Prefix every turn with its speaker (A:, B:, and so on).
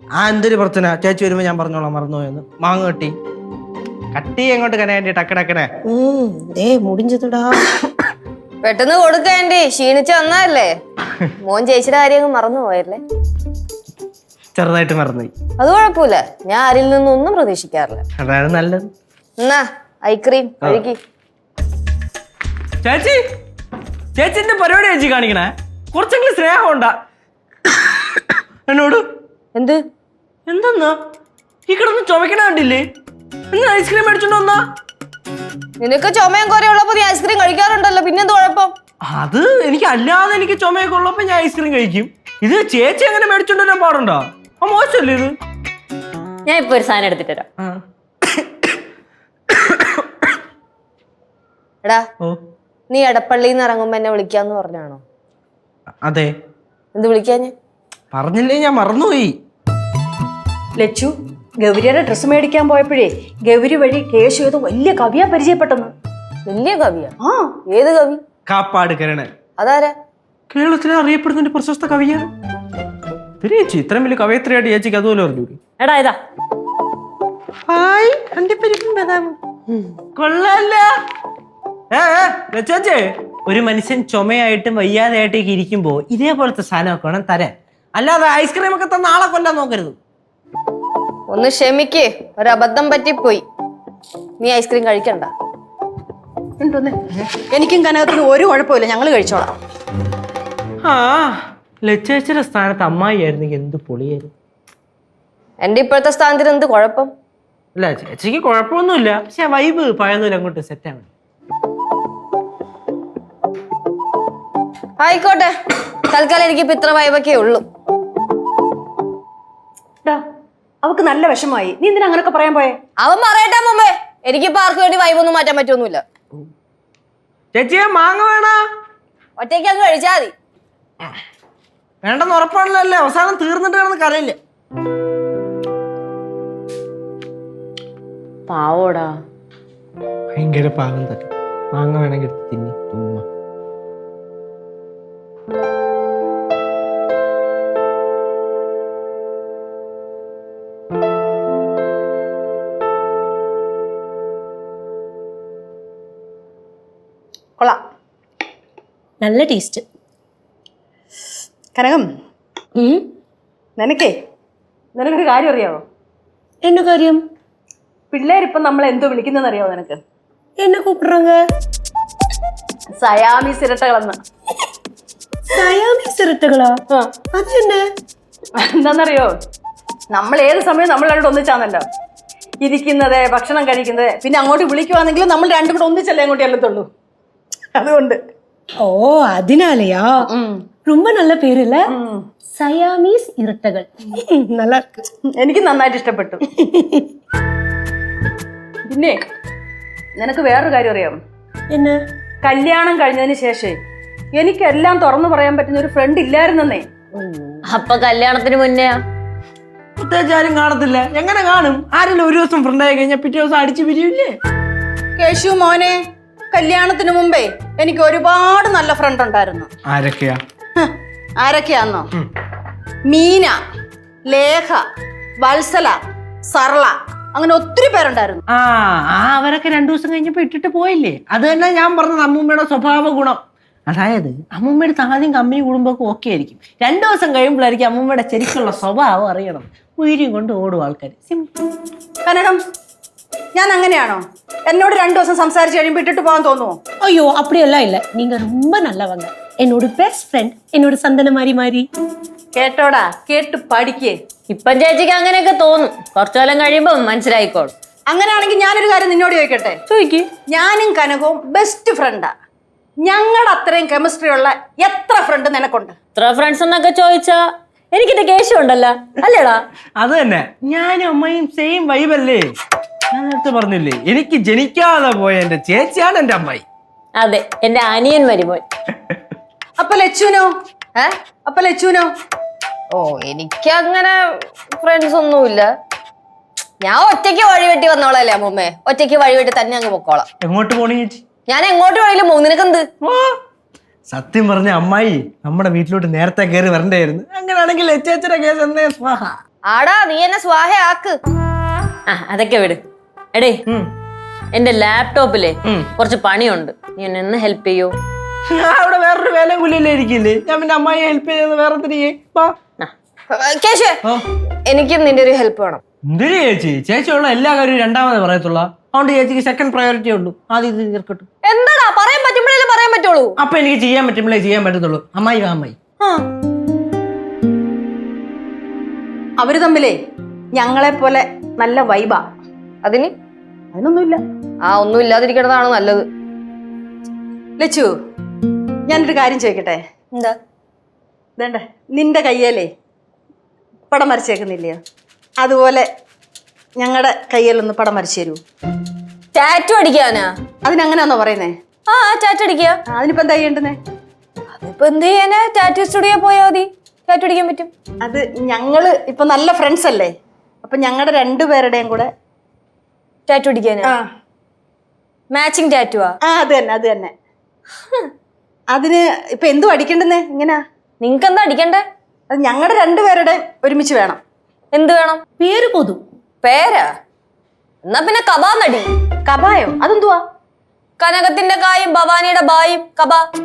A: എന്തൊരു പ്രശ്ന? ചേച്ചി വരുമ്പോ ഞാൻ പറഞ്ഞോളാം മറന്നുപോയെന്ന്. മാങ്ങ കട്ടി എങ്ങോട്ട് കനയാണ്ടി ടക്കടക്കനെ
B: മുടിഞ്ഞതാ.
C: പെട്ടെന്ന് കൊടുക്കേണ്ടി ക്ഷീണിച്ച് വന്നതല്ലേ. മോൻ ചേച്ചിയുടെ കാര്യം മറന്നു പോയല്ലേ?
A: ചെറുതായിട്ട് മറന്നുപോയി.
C: അത് കുഴപ്പമില്ല, ഞാൻ ആരിൽ നിന്നൊന്നും പ്രതീക്ഷിക്കാറില്ല.
A: അതാണ് നല്ലത്.
C: എന്നാ ഐക്രീം കഴുകി.
A: ചേച്ചി ചേച്ചിന്റെ പരിപാടി ചേച്ചി കാണിക്കണേ. കുറച്ചെങ്കിലും സ്നേഹം ഉണ്ടാ എന്നോട്.
C: എന്ത്
A: എന്തെന്നാ ഈ കിടന്ന് ചുമക്കണ കണ്ടില്ലേ? ഐസ്ക്രീം മേടിച്ചോണ്ട് വന്നാ.
C: നിനക്ക് ചുമയും കുറയുള്ളപ്പോ നീ ഐസ്ക്രീം കഴിക്കാറുണ്ടല്ലോ, പിന്നെന്ത് കുഴപ്പം?
A: അത് എനിക്ക് അല്ലാതെ എനിക്ക് ചുമയൊക്കെ ഉള്ളപ്പോ ഞാൻ ഐസ്ക്രീം കഴിക്കും. ഇത് ചേച്ചി അങ്ങനെ മേടിച്ചോണ്ട് വരാൻ പാടുണ്ടോ? മോശമല്ലേ ഇത്?
C: ഞാൻ ഇപ്പൊ ഒരു സാധനം എടുത്തിട്ട് തരാം. എടാ നീ എടപ്പള്ളിന്ന് ഇറങ്ങുമ്പോ എന്നെ വിളിക്കാന്ന് പറഞ്ഞാണോ?
A: അതെ.
C: എന്ത് വിളിക്കാഞ്ഞ്?
A: പറഞ്ഞില്ലേ, ഞാൻ മറന്നുപോയി.
B: ലച്ചു ഗൗരിയുടെ ഡ്രസ്സ് മേടിക്കാൻ പോയപ്പോഴേ ഗൗരി വഴി കേശു ഏതോ വലിയ കവിയാ പരിചയപ്പെട്ടെന്ന്.
C: വലിയ കവിയാ? ഏത് കവി?
A: കാപ്പാട് കരണൻ.
C: അതാരാ?
A: കേരളത്തിലെ അറിയപ്പെടുന്ന ഒരു പ്രശസ്ത കവിയാണ്. ചേച്ചി ഇത്രയും വലിയ കവയത്രിയായിട്ട് ചേച്ചിക്ക് അതുപോലെ പറഞ്ഞു.
B: എടാ ഇതാ
A: കൊള്ളല്ല. ചേച്ചേ, ഒരു മനുഷ്യൻ ചുമയായിട്ടും വയ്യാതെയായിട്ടേക്ക് ഇരിക്കുമ്പോ ഇതേപോലത്തെ സാധനമൊക്കെ വേണം തരാൻ. അല്ലാതെ ഐസ്ക്രീം ഒക്കെ തന്ന ആളെ കൊല്ലാൻ നോക്കരുത്.
C: ഒന്ന് ക്ഷമിക്ക്, ഒരബദ്ധം പറ്റിപ്പോയി. നീ ഐസ്ക്രീം കഴിക്കണ്ട.
B: എനിക്കും കനകത്തിന് ഒരു കുഴപ്പമില്ല, ഞങ്ങൾ കഴിച്ചോളാം.
A: ലച്ചേച്ചിയുടെ സ്ഥാനത്ത് അമ്മായി ആയിരുന്നെങ്കിൽ എന്ത് പൊളിയായിരുന്നു.
C: എന്റെ ഇപ്പോഴത്തെ സ്ഥാനത്തിന് എന്ത് കുഴപ്പം?
A: അല്ല, ചേച്ചിക്ക് കുഴപ്പമൊന്നുമില്ല, പക്ഷെ വൈബ് പഴയതുപോലെ അങ്ങോട്ട് സെറ്റ് ആവണം.
C: ആയിക്കോട്ടെ, തൽക്കാലം എനിക്ക് ഇത്ര വൈബൊക്കെ ഉള്ളൂ.
B: അവക്ക് നല്ല വിഷമായി. നീ എന്തിനാ അങ്ങനൊക്കെ പറയാൻ പോയെ?
C: അവൻ പറയട്ടെ മുമ്പേ. എനിക്കിപ്പോ ആർക്ക് വേണ്ടി വൈബൊന്നും മാറ്റാൻ പറ്റൊന്നുമില്ല.
A: ചേച്ചിയെ മാങ്ങ വേണ?
C: ഒറ്റയ്ക്ക് അങ്ങ് കഴിച്ചാ മതി.
A: വേണ്ടെന്ന് ഉറപ്പാണല്ലോ, അവസാനം തീർന്നിട്ട് കിടന്ന് കരയില്ല.
C: പാവോടാ,
A: ഭയങ്കര പാവം തന്നെ. മാങ്ങ വേണമെങ്കിൽ തിന്നി തുമ്മ.
B: കൊള്ളാം,
D: നല്ല ടേസ്റ്റ്.
B: കനകം നിനക്കൊരു കാര്യം അറിയാവോ?
D: என்ன കാര്യം?
B: പിള്ളേരിപ്പം നമ്മളെ എന്തോ വിളിക്കുന്നതെന്ന് അറിയാവോ നിനക്ക്?
D: என்ன கூப்பிடுறாங்க?
B: സയാമീസ് ഇരട്ടകളെന്ന്.
D: സയാമീസ് ഇരട്ടകളാ? അതെന്നെ?
B: എന്താന്നറിയോ, നമ്മൾ ഏത് സമയം നമ്മൾ രണ്ടും ഒന്നിച്ചാന്നല്ലോ ഇരിക്കുന്നത്, ഭക്ഷണം കഴിക്കുന്നത്. പിന്നെ അങ്ങോട്ട് വിളിക്കുവാണെങ്കിലും നമ്മൾ രണ്ടും കൂടെ ഒന്നിച്ചല്ലേ അങ്ങോട്ട് ചെല്ലത്തുള്ളൂ. അതുകൊണ്ട്.
D: ഓ, അതിനാലയാ? ரொம்ப நல்ல പേര് இல்ல? സയാമീസ് ഇരട്ടകൾ. நல்லா இருக்கு.
B: എനിക്ക് നന്നായിട്ട് ഇഷ്ടപ്പെട്ടു. പിന്നെ നിനക്ക് വേറൊരു കാര്യം അറിയാം?
D: என்ன?
B: കല്യാണം കഴിഞ്ഞതിന് ശേഷം എനിക്കെല്ലാം തുറന്നു പറയാൻ പറ്റുന്ന ഒരു ഫ്രണ്ട് ഇല്ലായിരുന്നേ.
C: അപ്പൊ കല്യാണത്തിന് മുന്നേ
A: പ്രത്യേകിച്ച് ആരും കാണത്തില്ല. എങ്ങനെ കാണും? ആരെങ്കിലും ഒരു ദിവസം ഫ്രണ്ടായി കഴിഞ്ഞാൽ പിറ്റേ ദിവസം അടിച്ചു പിരിയില്ലേ?
B: കേശു മോനെ, കല്യാണത്തിന് മുമ്പേ എനിക്ക് ഒരുപാട് നല്ല ഫ്രണ്ട് ഉണ്ടായിരുന്നു.
A: ആരൊക്കെയാ?
B: ആരൊക്കെയാന്നോ? മീന, ലേഖ, വത്സല, സർള, അങ്ങനെ ഒത്തിരി പേരുണ്ടായിരുന്നു.
A: അവരൊക്കെ 2 ദിവസം കഴിഞ്ഞപ്പോ ഇട്ടിട്ട് പോയില്ലേ? അത് തന്നെ ഞാൻ പറഞ്ഞത് അമ്മൂമ്മയുടെ സ്വഭാവ ഗുണം. അതായത് അമ്മൂമ്മയുടെ ആദ്യം കമ്പനി കൂടുമ്പോഴൊക്കെ ഓക്കെ ആയിരിക്കും. 2 ദിവസം കഴിയുമ്പോഴായിരിക്കും അമ്മൂമ്മയുടെ ശരിക്കുള്ള സ്വഭാവം അറിയണം. ഉയരും കൊണ്ട് ഓടും ആൾക്കാർ. സിമ്പിൾ.
B: കനകം, ഞാൻ അങ്ങനെയാണോ? എന്നോട് 2 ദിവസം സംസാരിച്ച് കഴിയുമ്പോൾ ഇട്ടിട്ട് പോകാൻ തോന്നുമോ?
D: ஐயோ, அப்படியெல்லாம் இல்ல. நீங்க ரொம்ப நல்லவங்க. என்னோட பெஸ்ட் ஃப்ரெண்ட், என்னோட சந்தன மாரி.
B: കേട്ടോടാ, കേട്ട് പഠിക്കേ.
C: ഇപ്പം ചേച്ചിക്ക് അങ്ങനെയൊക്കെ തോന്നും, കുറച്ചു കാലം കഴിയുമ്പോ മനസ്സിലായിക്കോളും.
B: അങ്ങനെയാണെങ്കിൽ ഞാനൊരു കാര്യം നിന്നോട് ചോദിക്കട്ടെ?
C: ചോദിക്ക്.
B: ഞാനും കനകവും ബെസ്റ്റ് ഫ്രണ്ടാ. ഞങ്ങളുടെ അത്രയും കെമിസ്ട്രി ഉള്ള എത്ര ഫ്രണ്ട് നിനക്കുണ്ട്?
C: ഇത്ര ഫ്രണ്ട്സ് എന്നൊക്കെ ചോദിച്ചാ എനിക്കിട്ട് കേശം ഉണ്ടല്ലോ, അല്ലേടാ?
A: അത് തന്നെ, ഞാനും അമ്മയും സെയിം വൈബല്ലേ. ഞാൻ നേരത്തെ പറഞ്ഞില്ലേ, എനിക്ക് ജനിക്കാതെ പോയ എന്റെ ചേച്ചിയാണ് എന്റെ അമ്മായി.
C: അതെ, എന്റെ അനിയൻ മരുമോൻ.
B: അപ്പൊ ലച്ചുനോ? അപ്പൊ ലച്ചുനോ?
C: ഓ, എനിക്ക് അങ്ങനെ ഫ്രണ്ട്സ് ഒന്നുമില്ല. ഞാൻ ഒറ്റയ്ക്ക് വഴിവെട്ടി വന്നോളല്ലേ അമ്മൂമ്മേ. ഒറ്റയ്ക്ക് വഴിവെട്ടി തന്നെ അങ്ങ് പൊക്കോളാം.
A: എങ്ങോട്ട് പോണേ ചേച്ചി?
C: ഞാൻ എങ്ങോട്ട് വേണേലും പോകും, നിനക്കെന്ത്?
A: സത്യം പറഞ്ഞ അമ്മായി നമ്മുടെ വീട്ടിലോട്ട് നേരത്തെ കയറി വരണ്ടായിരുന്നു. അങ്ങനെയാണെങ്കിൽ ചേച്ചിയുടെ കേസ് എന്നേ സ്വാഹ.
C: ആടാ നീ എന്നെ സ്വാഹയാക്ക്. അതൊക്കെ വിട്. എടേ എന്റെ ലാപ്ടോപ്പിലെ കുറച്ച് പണിയുണ്ട്, നീ എന്നെ ഒന്ന് ഹെൽപ്പ് ചെയ്യോ?
A: ഞാൻ അവിടെ വേറൊരു വേല കൂലിയല്ലേ ഇരിക്കില്ലേ, ഞാൻ പിന്നെ അമ്മായി ഹെൽപ്പ് ചെയ്യുന്നത് വേറെ തിരികെ.
C: കേശേ, എനിക്കും നിന്റെ ഒരു ഹെൽപ്പ് വേണം.
A: എന്തിനു ചേച്ചി? ചേച്ചിയുള്ള എല്ലാ കാര്യവും രണ്ടാമത് പറയത്തുള്ള, അതുകൊണ്ട് ചേച്ചിക്ക് സെക്കൻഡ് പ്രയോറിറ്റി ഉള്ളൂ. ആദ്യം ഇത് തീർക്കട്ടു.
C: എന്താടാ പറയാൻ പറ്റുമ്പോഴേ പറയാൻ പറ്റുള്ളൂ.
A: അപ്പൊ എനിക്ക് ചെയ്യാൻ പറ്റുമ്പോഴേ ചെയ്യാൻ പറ്റത്തുള്ളൂ. അമ്മായി വാ അമ്മായി.
B: അവര് തമ്മിലേ ഞങ്ങളെ പോലെ നല്ല വൈബാ.
C: അതിനൊന്നുമില്ല. ഒന്നും ഇല്ലാതിരിക്കണതാണ് നല്ലത്.
B: ലച്ചു, ഞാനൊരു കാര്യം ചോദിക്കട്ടെ?
C: എന്താ?
B: ഇതേണ്ട നിന്റെ കയ്യേലേ പടം വരച്ചേക്കുന്നില്ലയോ, അതുപോലെ ഞങ്ങളുടെ കയ്യിലൊന്ന് പടം വരച്ചു തരൂ.
C: ടാറ്റു അടിക്കാനാ?
B: അതിനങ്ങനെയാണോ പറയുന്നേ?
C: ടാറ്റു അടിക്കുക.
B: അതിനിപ്പോ എന്താ ചെയ്യേണ്ടുന്നേ?
C: അതിപ്പോ എന്ത് ചെയ്യാനാ? ടാറ്റു സ്റ്റുഡിയോ പോയാൽ മതി, ടാറ്റു അടിക്കാൻ പറ്റും.
B: അത് ഞങ്ങള് ഇപ്പൊ നല്ല ഫ്രണ്ട്സ് അല്ലേ, അപ്പൊ ഞങ്ങളുടെ രണ്ടുപേരുടെയും കൂടെ
C: ടാറ്റു അടിക്കാനാ? മാച്ചിങ് ടാറ്റുവാ?
B: അത് തന്നെ. അതിന് ഇപ്പൊ എന്തു അടിക്കണ്ടെന്നേ? ഇങ്ങനാ
C: നിങ്ങക്ക് എന്താ അടിക്കണ്ടേ?
B: അത് ഞങ്ങളുടെ രണ്ടുപേരുടെയും ഒരുമിച്ച് വേണം.
C: എന്ത് വേണം?
D: പേര് പോതും.
C: പേരാ? എന്നാ പിന്നെ കബാന്നടി.
B: കബായോ? അതെന്തുവാ?
C: കനകത്തിന്റെ കായും ഭവാനിയുടെ ബായും കബ.